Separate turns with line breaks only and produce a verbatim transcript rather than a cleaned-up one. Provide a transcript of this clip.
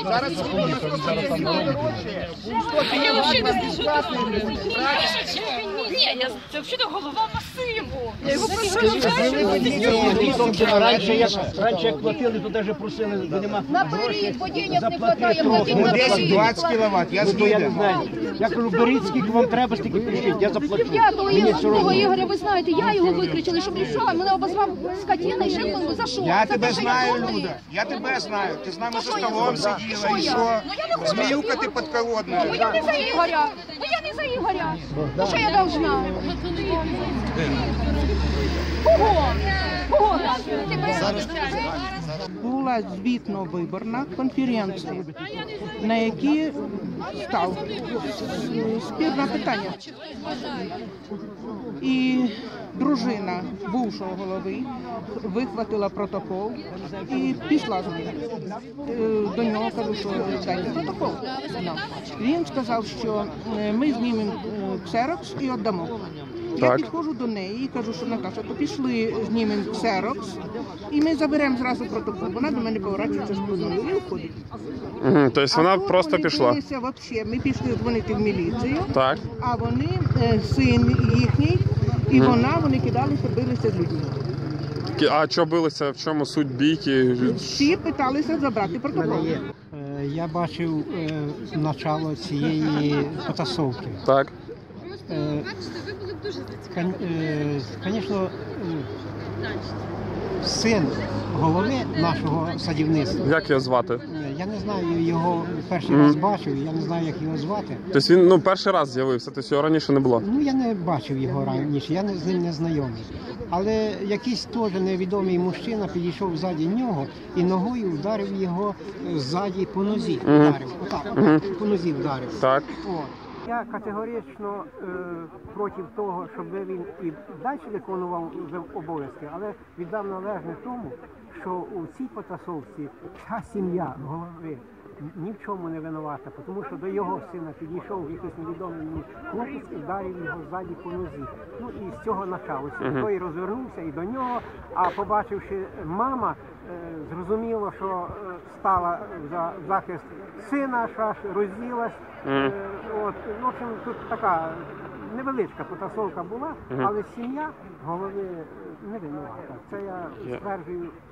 Зараз
я взагалі не знаю. Ні, я це взагалі голова масиву. Я його прошу.
Раніше як платили, то навіть просили, бо нема грошей.
Ну, десять-двадцять кіловат, я
Ну, я не знаю. Я кажу, беріть, скільки вам треба, стільки прийшли, я заплачу.
П'ятого Ігоря, ви знаєте, я його викричала, щоб рішала, мене обозвав скотина і ще за що?
Я тебе знаю, Люда, я тебе знаю. Ти з нами за столом сиділа і що? Зміюка ти підколодна.
Бо я не за Ігоря, бо я не за Ігоря. Ну що я должна? Кого? Кого?
Була звітно-виборна конференція, на якій став спірне питання. І дружина бувшого голови вихватила протокол і пішла з ним. До нього кажу, що дайте протокол. Він сказав, що ми знімемо ксерокс і віддамо. Я підходжу до неї і кажу, що Наташа, то пішли, знімемо ксерокс, і ми заберемо зразу протокол. Вона до мене поворачується спиною і уходить.
Угу, тобто вона просто пішла?
Вообще, ми пішли дзвонити в міліцію,
так.
А вони, син їхній, і угу. вона, вони кидалися, билися з людьми.
А що билися, в чому суть бійки?
Всі питалися забрати протокол.
Я бачив е, начало цієї потасовки.
Так.
Звісно, син голови нашого садівництва.
Як його звати?
Я не знаю, його перший mm. раз бачив, я не знаю, як його звати.
Тобто він ну, перший раз з'явився, тобто його раніше не було?
Ну, я не бачив його раніше, я з ним не знайомий. Але якийсь теж невідомий мужчина підійшов ззаді нього і ногою вдарив його ззаді по нозі. Mm. Вдарив, отак, отак, mm. по нозі вдарив.
Так.
О. Я категорично е, проти того, щоб він і далі виконував обов'язки, але віддав належне тому, що у цій потасовці вся сім'я голови ні в чому не винувата, тому що до його сина підійшов якийсь невідомий мені хлопець і вдарив його ззаді по нозі. Ну і з цього почалося. Uh-huh. Той розвернувся і до нього, а побачивши мама, е, зрозуміло, що е, стала за захист сина, аж розділась. Uh-huh. Е, от, в общем, тут така невеличка потасовка була, uh-huh. але сім'я голови не винувата. Це я стверджую